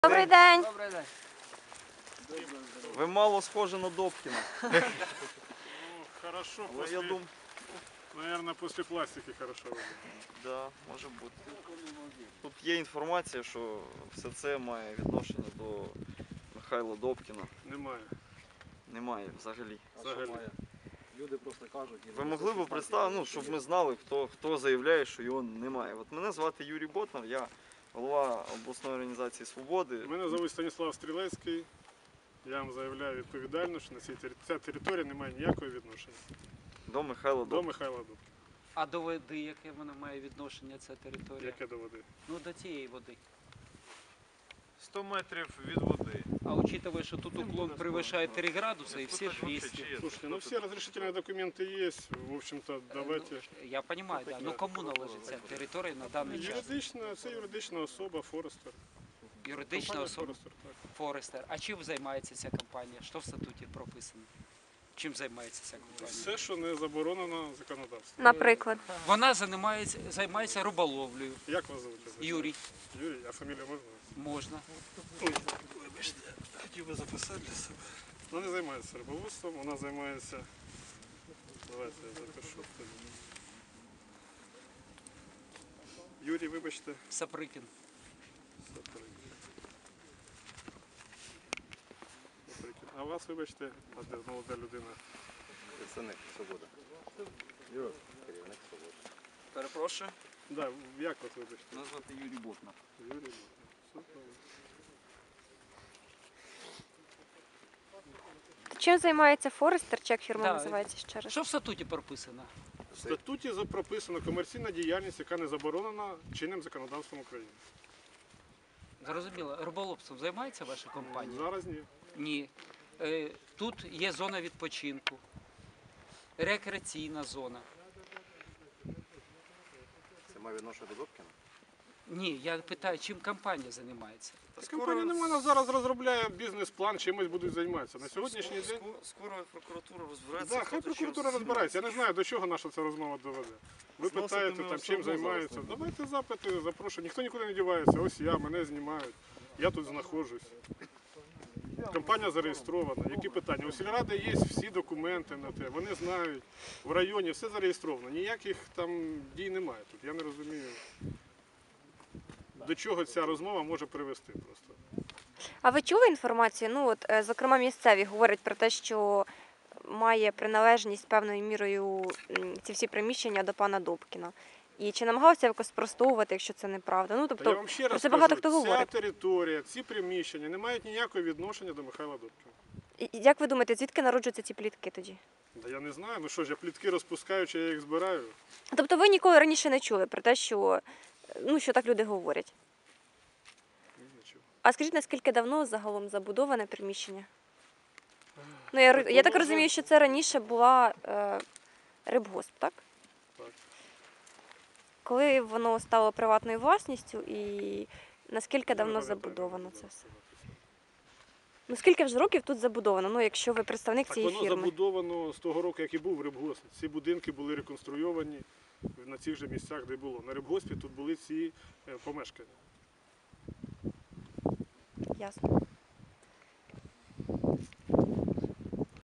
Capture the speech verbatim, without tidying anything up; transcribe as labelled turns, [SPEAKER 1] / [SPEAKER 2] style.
[SPEAKER 1] Добрий день.
[SPEAKER 2] Добрий день.
[SPEAKER 3] Ви мало схожі на Добкіна.
[SPEAKER 4] Ну, хорошо,
[SPEAKER 3] Але
[SPEAKER 4] после,
[SPEAKER 3] я думаю,
[SPEAKER 4] наверное, после пластики хорошо выглядит.
[SPEAKER 3] да, може бути. Тут є інформація, що все це має відношення до Михайла Добкіна.
[SPEAKER 4] Немає.
[SPEAKER 3] Немає взагалі.
[SPEAKER 4] Взагалі.
[SPEAKER 2] Люди просто кажуть.
[SPEAKER 3] Ви могли б представити, ну, щоб ми знали, хто, хто заявляє, що його немає. От мене звати Юрій Ботнар, я голова обласної організації «Свободи».
[SPEAKER 4] Мене звуть Станіслав Стрілецький. Я вам заявляю відповідально, що на цій тери- ця територія не має ніякого відношення
[SPEAKER 3] До Михайла
[SPEAKER 4] до
[SPEAKER 3] Добкіна.
[SPEAKER 4] Михайла Добкіна.
[SPEAKER 2] А до води, яке вона має відношення, ця територія?
[SPEAKER 4] Яке до води?
[SPEAKER 2] Ну, до цієї води.
[SPEAKER 5] сто метрів від води.
[SPEAKER 2] А учитывая, що тут уклон перевищає три градуси і всі двісті.
[SPEAKER 4] Слушайте, ну все разрешительные документы есть. В общем-то, давайте.
[SPEAKER 2] Ну, я розумію, да. Ну кому належить ця територія на даний час?
[SPEAKER 4] Юридична, це юридична особа, Форестер.
[SPEAKER 2] Юридична
[SPEAKER 4] Компанія
[SPEAKER 2] особа
[SPEAKER 4] Форестер, так.
[SPEAKER 2] Форестер. А чим займається ця компанія? Що в статуті прописано? Чим займається ця компанія?
[SPEAKER 4] Все, що не заборонено законодавством.
[SPEAKER 1] Наприклад.
[SPEAKER 2] Вона займається, займається риболовлею.
[SPEAKER 4] Як вас звуть?
[SPEAKER 2] Юрій,
[SPEAKER 4] Юрій, а фамілію можна?
[SPEAKER 2] можна.
[SPEAKER 4] Ой, вибачте, хотів би записати для себе. Вона не займається рибоводством, вона займається. Давайте я запишу. Юрій, вибачте.
[SPEAKER 2] Саприкін.
[SPEAKER 4] Саприк. Саприкін. А вас, вибачте, а де молода людина?
[SPEAKER 5] Представник «Свобода». Юра, керівник «Свободи».
[SPEAKER 3] Перепрошую,
[SPEAKER 4] Да, як вас, вибачте?
[SPEAKER 3] мене звати Юрій Ботнар.
[SPEAKER 4] Юрій. Все правильно.
[SPEAKER 1] Чим займається Форестер, чи як фірма
[SPEAKER 2] Да.
[SPEAKER 1] називається ще раз?
[SPEAKER 2] Що в статуті прописано?
[SPEAKER 4] В статуті за- прописано комерційна діяльність, яка не заборонена чинним законодавством України.
[SPEAKER 2] Зрозуміло, риболовством займається ваша компанія?
[SPEAKER 4] Зараз ні.
[SPEAKER 2] Ні. Е, Тут є зона відпочинку, рекреаційна зона.
[SPEAKER 5] Це має відношення до Добкіна?
[SPEAKER 2] Ні, я питаю, чим компанія займається?
[SPEAKER 3] Та
[SPEAKER 4] Компанія не вона зараз розробляє бізнес-план, чимось будуть займатися. На сьогоднішній день.
[SPEAKER 3] скоро, скоро прокуратура розбереться.
[SPEAKER 4] Так,
[SPEAKER 3] хто
[SPEAKER 4] хай
[SPEAKER 3] тут чим
[SPEAKER 4] прокуратура розбирається. Я не знаю, до чого наша ця розмова доведе. Ви
[SPEAKER 3] Зносити
[SPEAKER 4] питаєте,
[SPEAKER 3] ми
[SPEAKER 4] там,
[SPEAKER 3] все
[SPEAKER 4] чим
[SPEAKER 3] одно зараз
[SPEAKER 4] займаються.
[SPEAKER 3] не будемо.
[SPEAKER 4] Давайте запити, запрошую. Ніхто нікуди не дівається. Ось я, мене знімають. Я тут знаходжусь. Компанія зареєстрована. Які питання? У сільради є всі документи на те. Вони знають. В районі все зареєстровано. Ніяких там дій немає тут. Я не розумію, до чого ця розмова може привести просто.
[SPEAKER 1] А ви чули інформацію? Ну, от, е, зокрема, місцеві говорять про те, що має приналежність певною мірою м, ці всі приміщення до пана Добкіна. І чи намагалися якось спростовувати, якщо це неправда? Ну,
[SPEAKER 4] Та я
[SPEAKER 1] тобто,
[SPEAKER 4] вам ще
[SPEAKER 1] про
[SPEAKER 4] раз
[SPEAKER 1] це багато
[SPEAKER 4] кажу,
[SPEAKER 1] хто
[SPEAKER 4] ця
[SPEAKER 1] говорить.
[SPEAKER 4] територія, ці приміщення не мають ніякого відношення до Михайла Добкіна.
[SPEAKER 1] І- і як ви думаєте, звідки народжуються ці плітки тоді?
[SPEAKER 4] Да я не знаю, ну що ж, я плітки розпускаю, чи я їх збираю.
[SPEAKER 1] Тобто ви ніколи раніше не чули про те, що, ну, що так люди говорять?
[SPEAKER 4] Ні, нічого.
[SPEAKER 1] А скажіть, наскільки давно загалом забудоване приміщення? Ну, я, ро- я так розумію, що це раніше була е, рибгосп, так?
[SPEAKER 4] Так.
[SPEAKER 1] Коли воно стало приватною власністю і наскільки давно
[SPEAKER 4] Я не пам'ятаю,
[SPEAKER 1] забудовано
[SPEAKER 4] як
[SPEAKER 1] це
[SPEAKER 4] було
[SPEAKER 1] все?
[SPEAKER 4] написано.
[SPEAKER 1] Ну скільки вже років тут забудовано, ну якщо ви представник
[SPEAKER 4] Так
[SPEAKER 1] цієї
[SPEAKER 4] воно
[SPEAKER 1] фірми?
[SPEAKER 4] забудовано з того року, як і був рибгосп. Ці будинки були реконструйовані на цих же місцях, де було. На рибгоспі тут були ці е, помешкання.
[SPEAKER 1] Ясно.